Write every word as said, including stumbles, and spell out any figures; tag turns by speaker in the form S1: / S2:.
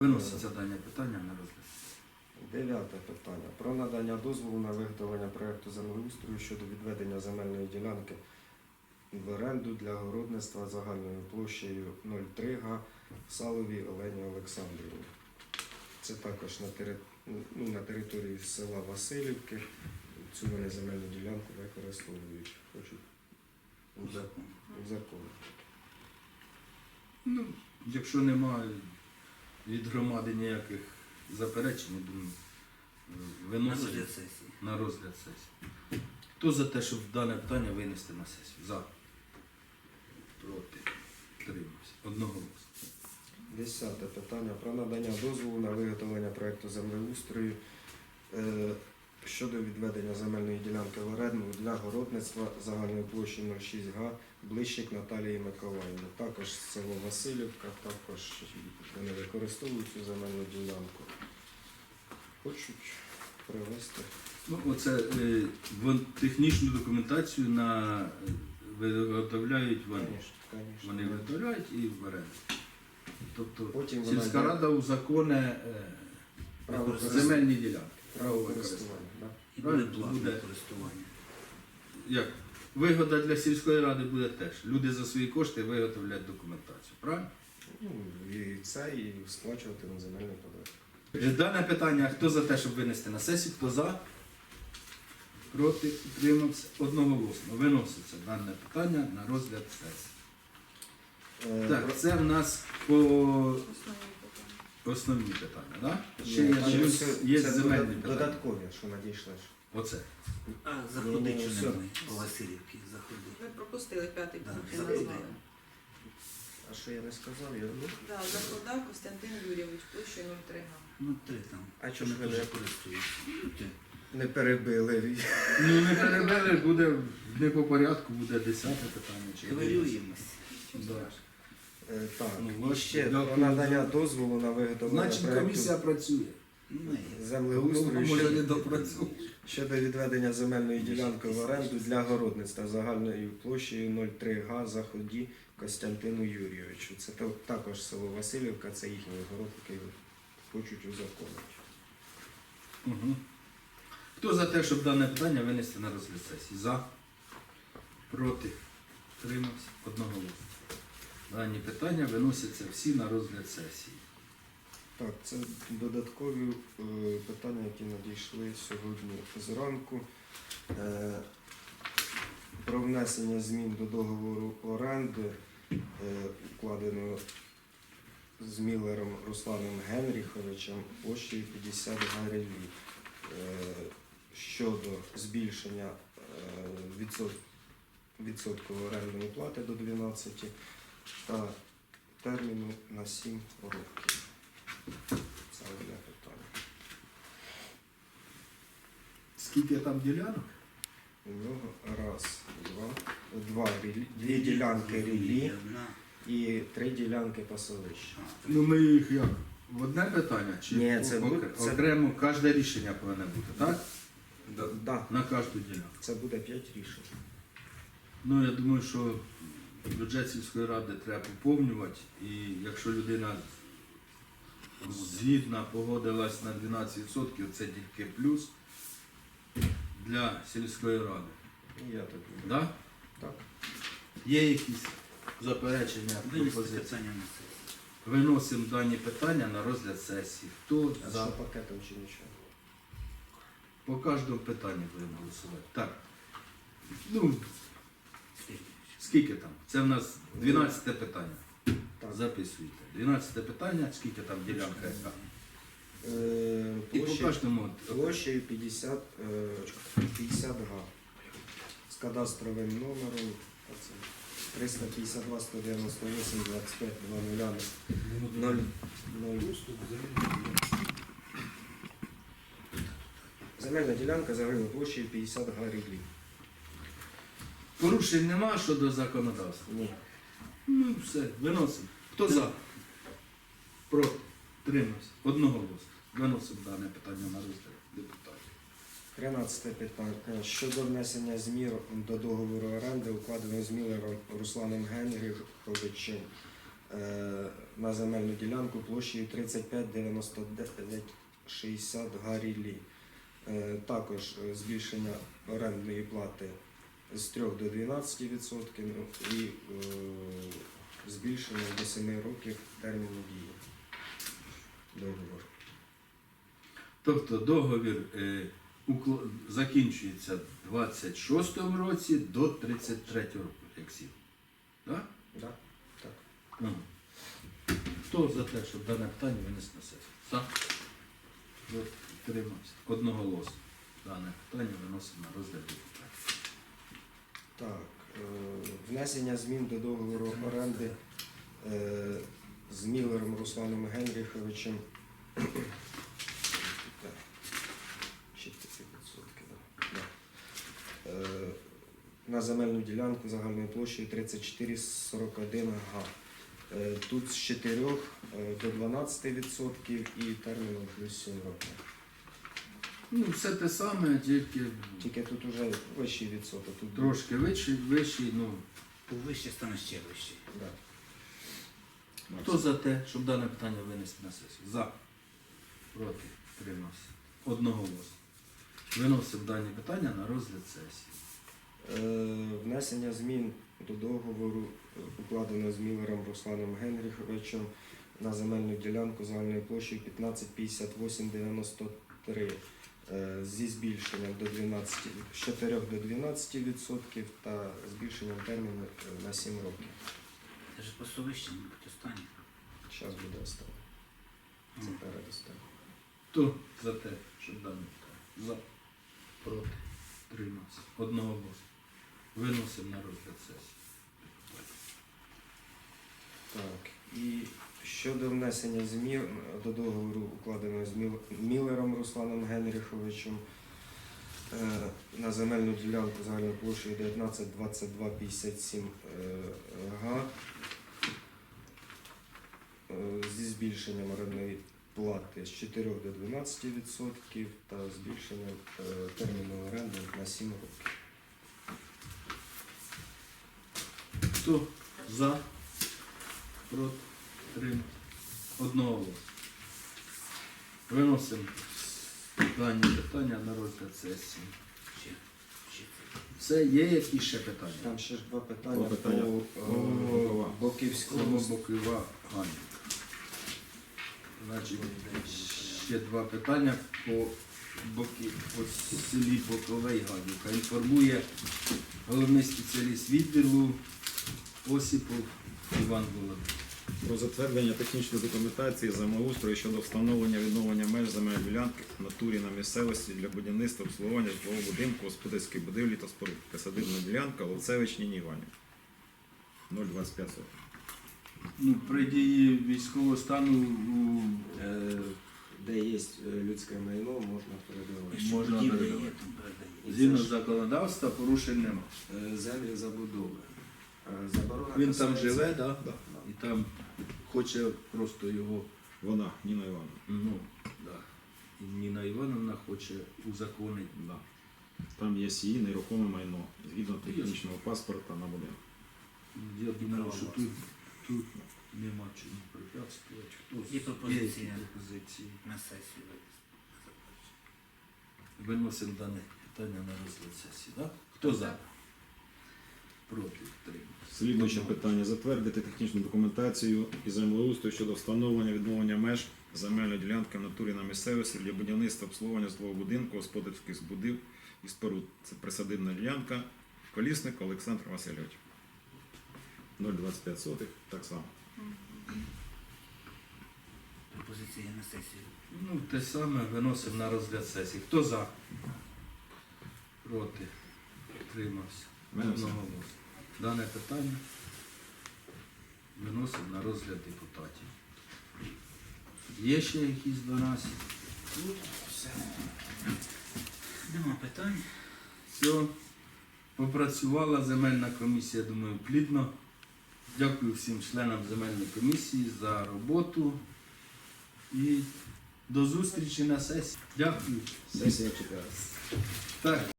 S1: Виноситься дане питання на розгляд.
S2: Дев'яте питання. Про надання дозволу на виготовлення проєкту землеустрою щодо відведення земельної ділянки в оренду для городництва загальною площею нуль три га Саловій Олені Олександрівні. Це також на, тери... ну, на території села Василівки. Цю вони земельну ділянку використовують. Хочуть узаконити.
S1: Ну, якщо немає від громади ніяких заперечень, я думаю, виносимо
S3: На розгляд сесії.
S1: на розгляд сесії. Хто за те, щоб дане питання винести на сесію? За. Проти. Тримався. Одноголосно.
S2: Десяте питання. Про надання дозволу на виготовлення проєкту землеустрою е, щодо відведення земельної ділянки в оренду для городництва загальною площею нуль шість га Блищик Наталії Миколаївни. Також село Василівка, також вони використовують цю земельну ділянку. Хочуть привезти.
S1: Ну, оце е, вон, технічну документацію на е, виготовляють вони.
S2: Конечно, конечно.
S1: Вони виготовляють і в оренду. Тобто
S2: Потім вона
S1: сільська
S2: йде
S1: рада узаконе е,
S2: право
S1: земельні ділянки.
S2: право користування. Да?
S3: І буде
S1: Правильно?
S3: платне
S1: Буде.
S3: користування.
S1: Як? Вигода для сільської ради буде теж. Люди за свої кошти виготовлять документацію. Правильно?
S2: Ну, і це, і сплачувати на земельний податок.
S1: Е, Дане питання, хто за те, щоб винести на сесію, хто за? Проти, утримався, одноголосно. Виноситься дане питання на розгляд сесії.
S2: Е,
S1: Так, це в нас по основні питання, так? Да? Ще
S2: Ні,
S1: є,
S2: там
S1: плюс
S2: це-
S1: є
S2: це
S1: земельні
S2: додат-
S1: питання.
S2: додаткові, що надійшли. ж.
S1: Оце.
S3: А
S2: Ні,
S3: заходить
S2: ні,
S3: чи
S2: все.
S3: не ми по Васильівці заходить.
S4: Ви пропустили п'ятий
S3: Да,
S4: пункт, я
S3: заходить.
S4: назвала.
S2: А що я не сказав? Я... Ну,
S4: Да, закладав Костянтин Юрійович, площею нуль три га.
S3: Ну, три там.
S2: А чого
S3: Ми
S2: ж ви
S3: теж
S2: не-
S3: користуємося. Ну, ти.
S2: не перебили.
S1: Ну, не перебили, буде не по порядку, буде десяте питання. Чи
S3: Хвилюємось.
S1: Да.
S2: Е, Так,
S1: Ну,
S2: і ще
S1: дякую.
S2: про надання дозволу на виготовлення
S1: Значить,
S2: проєкту
S1: комісія працює.
S3: Ну, і
S2: землеустрою
S1: Може, не
S2: щодо,
S1: допрацює.
S2: щодо відведення земельної ділянки в оренду для городництва загальною площею нуль три га Заході Костянтину Юрійовичу. Це та- також село Василівка, це їхній город, який хочуть узаконити.
S1: Угу. Хто за те, щоб дане питання винести на розгляд сесії? За? Проти? Тримався? Одноголосно. Дані питання виносяться всі на розгляд сесії.
S2: Так, це додаткові е, питання, які надійшли сьогодні зранку. Е, про внесення змін до договору оренди, е, укладеного з Міллером Русланом Генріховичем площею п'ятдесят гривень е, щодо збільшення е, відсот, відсотку орендної плати до дванадцяти та терміну на сім років. Це одне питання.
S1: Скільки там ділянок?
S2: У нього раз, два, два рілі- дві ділянки рілі
S3: Одна.
S2: і три ділянки пасовища.
S3: А,
S1: Ну ми їх як? В одне питання? Чи
S2: Ні, це
S1: ок-
S2: буде- це-
S1: окремо кожне рішення повинно бути, так?
S2: Да,
S1: На кожну ділянку.
S2: це буде п'ять рішень.
S1: Ну, я думаю, що бюджет сільської ради треба поповнювати, і якщо людина згідна погодилась на дванадцять відсотків, це тільки плюс для сільської ради.
S2: І я так думаю.
S1: Да?
S2: Так.
S1: Є якісь заперечення,
S3: Винести
S1: пропозиції?
S3: питання на сесію.
S1: Виносимо дані питання на розгляд сесії. Хто
S2: А
S1: за?
S2: що пакетом чи нічого?
S1: По кожному питанню будемо голосувати. Так. Ну,
S3: Скільки?
S1: скільки там? Це в нас дванадцяте питання.
S2: Так.
S1: Записуйте. дванадцяте питання, скільки там ділянка яка.
S2: Е,
S1: І по
S2: площі-
S1: кожному.
S2: Площею п'ятдесят, е, п'ятдесят га. З кадастровим номером а це триста п'ятдесят два сто дев'яносто вісім двадцять п'ять два нуль ноль. Земельна ділянка загальною площею п'ятдесят га рублів.
S1: Порушень нема щодо законодавства.
S2: Ні.
S1: Ну все, виносимо. Хто за? Проти? Тримався. Одноголосно. Виносимо дане питання на розгляд депутатів.
S2: тринадцяте питання. Щодо внесення змін до договору оренди, укладеного з Міллером Русланом Генріховичем е, на земельну ділянку площею тридцять п'ять дев'яносто дев'ять шістдесят Гарілі. Е, Також е, збільшення орендної плати з трьох до дванадцяти відсотків і е, збільшення до семи років терміну дії договору.
S1: Тобто договір е, укл- закінчується в двадцять шостому році до тридцять третього року, як сів. Так?
S2: Да? Так.
S1: Ага. Хто за те, щоб дане питання винести на сесію? За? Проти? Утримався. Одноголосно. Дане питання виносимо на розгляд депутатів.
S2: Так, е, внесення змін до договору оренди е, з Міллером Русланом Генріховичем. Так, чотири відсотки, да. Да. Е, на земельну ділянку загальною площею тридцять чотири сорок один га. Е, Тут з чотирьох е, до дванадцяти відсотків і терміном плюс сім років.
S1: Ну, все те саме, тільки
S2: Тільки тут вже вищий відсоток. Тут
S1: трошки вищий, вищий, ну.
S3: Вище стане ще вище.
S2: Да.
S1: Хто за те, щоб дане питання винести на сесію? За. Проти. Утримався. Одноголосно. Виносимо дані питання на розгляд сесії.
S2: Е, Внесення змін до договору, е, укладеного з Міллером Русланом Генріховичем на земельну ділянку загальною площею п'ятнадцять п'ятдесят вісім дев'яносто три е, зі збільшенням до дванадцяти, з чотирьох до дванадцяти відсотків та збільшенням терміну е, на сім років.
S3: Це ж просто вище, мабуть, останнє.
S2: Зараз буде останнє. Це
S3: Мгм.
S2: передостаннє.
S1: Хто за те, щоб дане питання? За. Проти. Утримався. Одноголосно. Виносимо на розгляд сесії.
S2: Так, і щодо внесення змін до договору, укладеного з Міл- Міллером Русланом Генріховичем е, на земельну ділянку загальною площею дев'ятнадцять двадцять два п'ятдесят сім е, га е, зі збільшенням орендної плати з чотирьох до дванадцяти відсотків та збільшенням е, терміну оренди на сім років.
S1: Хто за? Проти. Утримався. Одноголосно. Виносимо дані питання на розгляд сесії.
S3: Ще, ще це.
S1: Це є якісь ще питання?
S2: Там ще ж два питання,
S5: Два питання.
S2: по
S1: По
S2: е, Боківському.
S1: Бокова Ганя. Значить, ще два питання по боки, по селі Боковий Гадюка. Інформує головний спеціаліст відділу Осіпов Іван Володимирович.
S5: Про затвердження технічної документації землеустрою щодо встановлення відновлення меж земельної ділянки в натурі на місцевості для будівництва обслуговування житлового будинку, господарської будівлі та споруд. Присадибна ділянка Луцевич Ніні Іванів. нуль двадцять п'ять сотих.
S1: Ну, при дії військового стану у,
S2: Е, Де є е, людське майно, можна передавати.
S3: Якщо
S1: Можна
S3: будівля
S1: передавати.
S3: є, там передає.
S1: згідно законодавства порушень нема.
S2: Е, Землі забудови. Е, Заборона
S1: Він там
S2: касається-
S1: живе, да?
S2: Да.
S1: І там хоче просто його,
S5: Вона, Ніна Івановна.
S1: ну, да. І Ніна Івановна хоче узаконити.
S5: Да. Там є її нерухоме майно, згідно технічного паспорта на будинок.
S1: Я думаю,
S3: Право
S1: що
S3: власне.
S1: тут, тут нема чому препятствувати. Хтось
S3: Є пропозиція.
S1: є пропозиції.
S3: На сесію винести.
S1: Виносимо дане питання на розгляд сесії. Да? Хто за? Проти. Підтримуємо.
S5: Слідуюче питання. Затвердити технічну документацію і землеустрою щодо встановлення відновлення меж земельної ділянки в натурі на місцевості для будівництва обслуговування житлового будинку, господарських збудів і споруд. Це присадибна ділянка. Колісник Олександр Васильович. нуль двадцять п'ять сотих, так само.
S3: Пропозиція на сесію.
S1: Ну, те саме виносимо на розгляд сесії. Хто за? Проти. Підтримався.
S5: Мене все.
S1: Одноголосно. Дане питання виносимо на розгляд депутатів. Є ще якісь до нас?
S3: Тут все. Нема питань.
S1: Все. Попрацювала земельна комісія, думаю, плідно. Дякую всім членам земельної комісії за роботу. І до зустрічі на сесії. Дякую.
S5: Сесія чекає.
S1: Так.